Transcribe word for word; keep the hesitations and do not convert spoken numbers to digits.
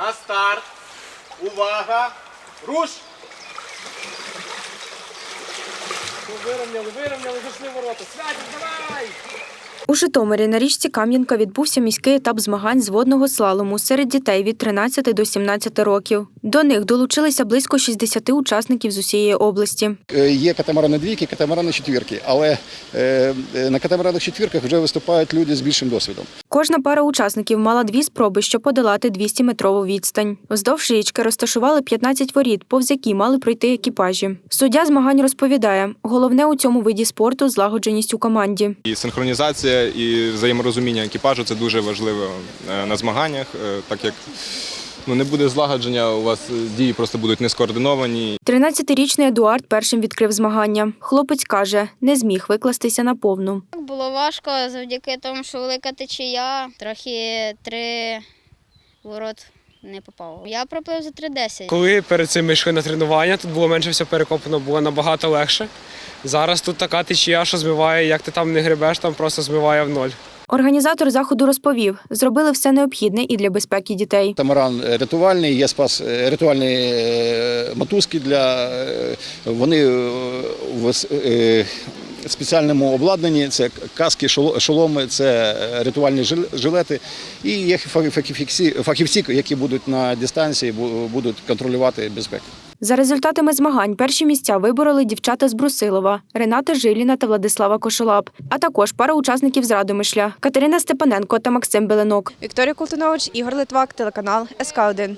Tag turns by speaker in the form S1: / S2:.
S1: На старт. Увага. Руш.
S2: Вирівняли, вирівняли, зайшли в ворота. Святик, давай!
S3: У Житомирі на річці Кам'янка відбувся міський етап змагань з водного слалому серед дітей від тринадцяти до сімнадцяти років. До них долучилися близько шістдесят учасників з усієї області.
S4: Є катамарани двійки, катамарани четвірки, але на катамаранах четвірках вже виступають люди з більшим досвідом.
S3: Кожна пара учасників мала дві спроби, щоб подолати двістіметрову відстань. Вздовж річки розташували п'ятнадцять воріт, повз які мали пройти екіпажі. Суддя змагань розповідає, головне у цьому виді спорту – злагодженість у команді.
S5: І синхронізація, і взаєморозуміння екіпажу – це дуже важливо на змаганнях, так як ну, не буде злагодження, у вас дії просто будуть не скоординовані.
S3: тринадцятирічний Едуард першим відкрив змагання. Хлопець каже, не зміг викластися наповну.
S6: Було важко завдяки тому, що велика течія, трохи три ворот не попав. Я проплив за три десять.
S2: Коли перед цим ми йшли на тренування, тут було менше все перекопано, було набагато легше. Зараз тут така течія, що змиває, як ти там не гребеш, там просто змиває в ноль.
S3: Організатор заходу розповів, зробили все необхідне і для безпеки дітей.
S4: Катамаран рятувальний, є спас рятувальні мотузки для вони в спеціальному обладнанні. Це каски, шоломи, це рятувальні жилети. І є фахівці, фахівці, які будуть на дистанції, будуть контролювати безпеку.
S3: За результатами змагань перші місця вибороли дівчата з Брусилова – Рената Жиліна та Владислава Кошолап, а також пара учасників з Радомишля – Катерина Степаненко та Максим Беленок.
S7: Вікторія Колтунович, Ігор Литвак, телеканал ес ка один.